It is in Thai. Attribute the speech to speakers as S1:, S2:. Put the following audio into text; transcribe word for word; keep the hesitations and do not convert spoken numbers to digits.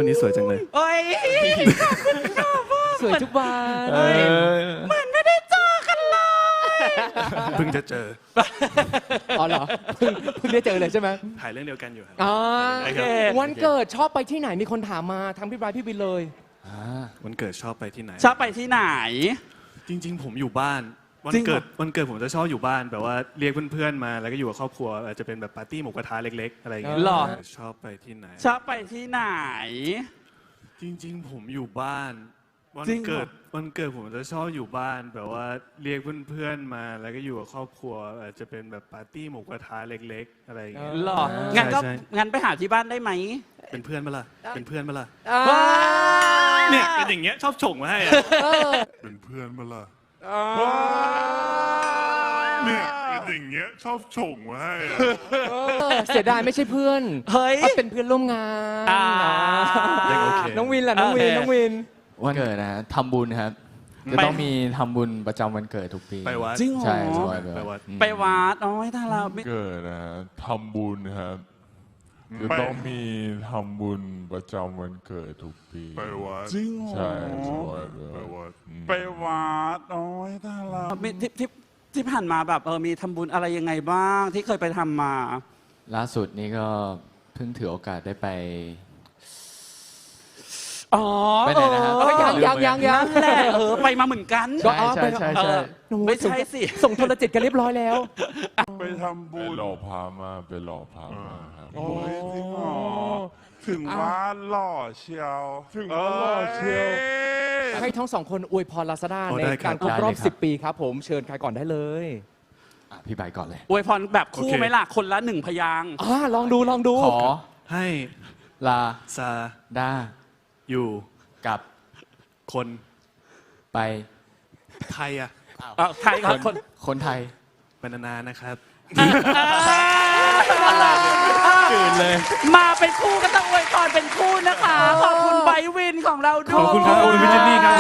S1: วันนี้สวยจังเลย
S2: โอ้ย
S3: สวยทุกวัน
S2: เหมือนไม่ได้เจอกันเลย
S1: เพิ่งจะเจอ
S3: อ๋อเหรอเพิ่งเพิ่งได้เจอเลยใช่ไหม
S1: ถ่ายเรื่องเดียวกันอยู่ครับ
S3: อ๋อ
S1: โอเค
S3: วันเกิดชอบไปที่ไหนมีคนถามมาทั้งพี่บรายพี่บินเลย
S1: วันเกิดชอบไปที่ไหน
S2: ชอบไปที่ไหน
S1: จริงๆผมอยู่บ้านวัน
S2: จริงเหรอ
S1: เกิดวันเกิดผมจะชอบอยู่บ้านแบบว่าเรียกเพื่อนๆมาแล้วก็อยู่กับครอบครัวอาจจะเป็นแบบปาร์ตี้หมูกระทะเล็กๆอะไรอย่างเงี้ย
S2: หรอ
S1: ชอบไปที่ไหน
S2: ชอบไปที่ไหน
S1: จริงๆผมอยู่บ้านวัน
S2: จริงเหรอ
S1: เกิดวันเกิดผมจะชอบอยู่บ้านแบบว่าเรียกเพื่อนๆมาแล้วก็อยู่กับครอบครัวอาจจะเป็นแบบปาร์ตี้หมูกระทะเล็กๆอะไรอย่างเงี้ย
S2: หรองั้นก็
S1: ใช่
S2: งั้นไปหาที่บ้านได้ไหม
S1: เป็นเพื่อนมาล่ะเป็นเพื่อนมาล่ะ
S3: ว้า
S1: เนี่ยเป็นอย่างเงี้ยชอบฉ่งมาให้อะ
S4: เป็นเพื่อนมาล่ะเนี่ยเป็นอย่างเงี้ยชอบฉ่งมาให้อะ
S3: เสียดายไม่ใช่เพื่อน
S2: เฮ้ย
S3: เอาเป็นเพื่อนร่วมงาน
S2: อ่า
S1: ยังโอเค
S3: น้องวินล่ะน้องวิน
S2: โอเค
S3: น้องวิน
S5: วันเกิดนะฮะทำบุญครับจะ
S2: ไป
S5: ต้องมีทำบุญประจำวันเกิดทุกปี
S1: ไปวัด
S2: จริงเหรอ
S5: ใช่ใช่
S1: ไปวัด
S5: อืม
S2: ไปวัดโอ้ยถ้าเราไม่
S4: เกิดนะฮะทำบุญครับจะต้องมีทำบุญประจำวันเกิดทุกปีไปวัด
S2: จริงเหรอ
S4: ใช่ใช่ไปวัด
S2: ไปวัดโอ้ยถ้าเรามีที่ที่ที่ผ่านมาแบบเออมีทำบุญอะไรยังไงบ้างที่เคยไปทำมา
S5: ล่าสุดนี้ก็เพิ่งถือโอกาสได้ไป
S2: อ๋อ
S5: ไปไหนนะฮะ
S2: เออ
S3: ยังยังยังยัง
S2: นั่นแหละเออไปมาเหมือนกัน
S3: ก็
S5: ใช่
S3: อ๋อ
S5: ใช่
S3: ไป
S5: ใช่
S2: เอ
S5: ใช่
S2: อไม่ใช่สิ
S3: ส่งโทรจิตกันเรียบร้อยแล้ว
S4: ไปทำบุญไปหล่อพามาไปหล่อพามาครับ
S6: โอ้ยจริงเหรอถึงว่าหล่อเชียวถึงว่าหล่อเชียว
S3: ให้ทั้งสองคนอวยพรลาซาด้า
S1: โอ้
S3: ใน
S1: ได้ครับ
S3: การครบรอบ
S5: ได้เลยครับ
S3: สิบปีครับผมเชิญใครก่อนได้เลย
S5: อ่ะพี่ใบก่อนเลย
S2: อวยพรแบบคู่
S1: โอเค
S2: ไหมล่ะคนละหนึ่งพยางค์
S3: อ่าลองดูลองดู
S5: ขอ
S1: ให้
S5: ลา
S1: ซา
S5: ด้า
S1: อยู่
S5: กับ
S1: คน
S5: ไป
S1: ไทยอะ
S2: เออใคร
S5: ค
S2: ก่อน
S5: น
S2: คน
S5: คนไทย
S1: เป็นนานๆนะครับ
S5: ตื่นเลย
S2: มาเป็นคู่ก็ต้องอวยพรเป็นคู่นะคะ ขอบคุณไบร์ทวินของเราด้วย
S1: ขอบคุณครับขอบคุณพี่เจนนี่ครับ